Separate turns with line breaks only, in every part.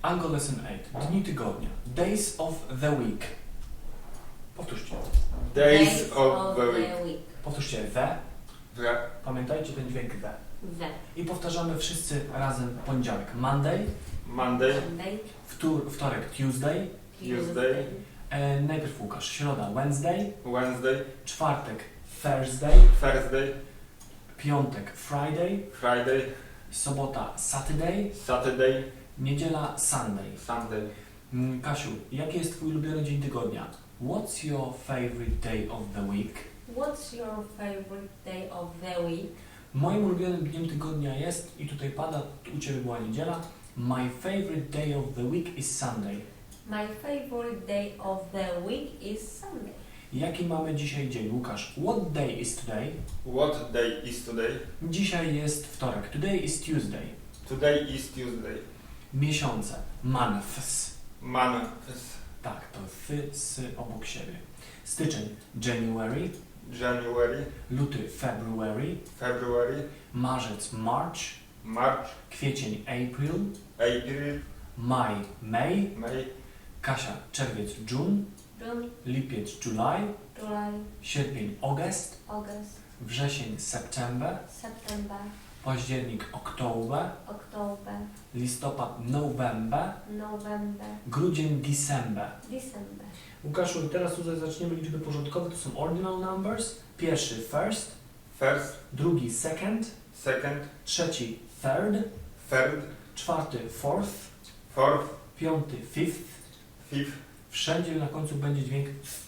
Angle Lesson 8. Dni tygodnia. Days of the week. Powtórzcie.
Days of the week.
Powtórzcie the.
The.
Pamiętajcie ten dźwięk the.
The.
I powtarzamy wszyscy razem poniedziałek. Monday.
Monday.
Monday.
Wtorek Tuesday.
Tuesday.
Najpierw Łukasz. Środa Wednesday.
Wednesday.
Czwartek Thursday.
Thursday.
Piątek Friday.
Friday.
Sobota Saturday.
Saturday.
Niedziela Sunday.
Sunday.
Kasiu, jaki jest twój ulubiony dzień tygodnia? What's your favorite day of the week?
What's your favorite day of the week?
Moim ulubionym dniem tygodnia jest, i tutaj pada, u Ciebie była niedziela, my favorite day of the week is Sunday.
My favorite day of the week is Sunday.
Jaki mamy dzisiaj dzień, Łukasz? What day is today?
What day is today?
Dzisiaj jest wtorek. Today is Tuesday.
Today is Tuesday.
Miesiące. Months.
Months.
Tak, to sy obok siebie. Styczeń. January.
January.
Luty. February.
February.
Marzec. March.
March.
Kwiecień. April.
April.
Maj. May.
May.
Kasia. Czerwiec. June.
June.
Lipiec. July.
July.
Sierpień. August.
August.
Wrzesień. September.
September.
Październik. October.
October.
Listopad. November.
November.
Grudzień. December.
December.
Łukaszu, teraz tutaj zaczniemy liczby porządkowe, to są ordinal numbers. Pierwszy first,
First.
drugi second,
Second.
trzeci third,
Third.
czwarty fourth,
Fourth.
piąty fifth.
Fifth.
Wszędzie na końcu będzie dźwięk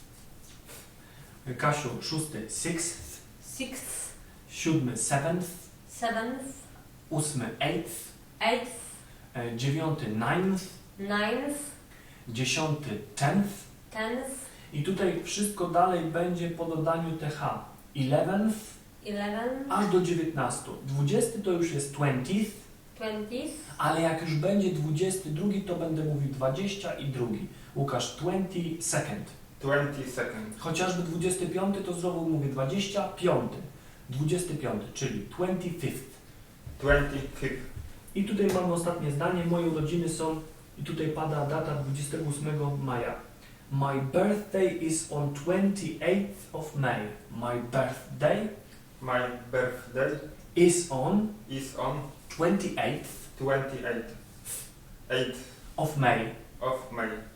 Kasiu, szósty sixth,
Sixth.
siódmy seventh,
Seventh.
ósmy eighth,
Eighth.
dziewiąty ninth,
Ninth.
dziesiąty tenth.
Tenth.
I tutaj wszystko dalej będzie po dodaniu th. 11th,
11th.
aż do 19. 20 to już jest 20th,
20th.
ale jak już będzie 22, to będę mówił 20 i drugi. Łukasz, 22nd.
22nd.
Chociażby 25 to znowu mówię 25. 25, czyli 25th.
25th.
I tutaj mamy ostatnie zdanie. Moje urodziny są, i tutaj pada data 28 maja. My birthday is on 28th of May. My birthday
My birthday
is on
is on
28th
28th. 8th
of May.
of May.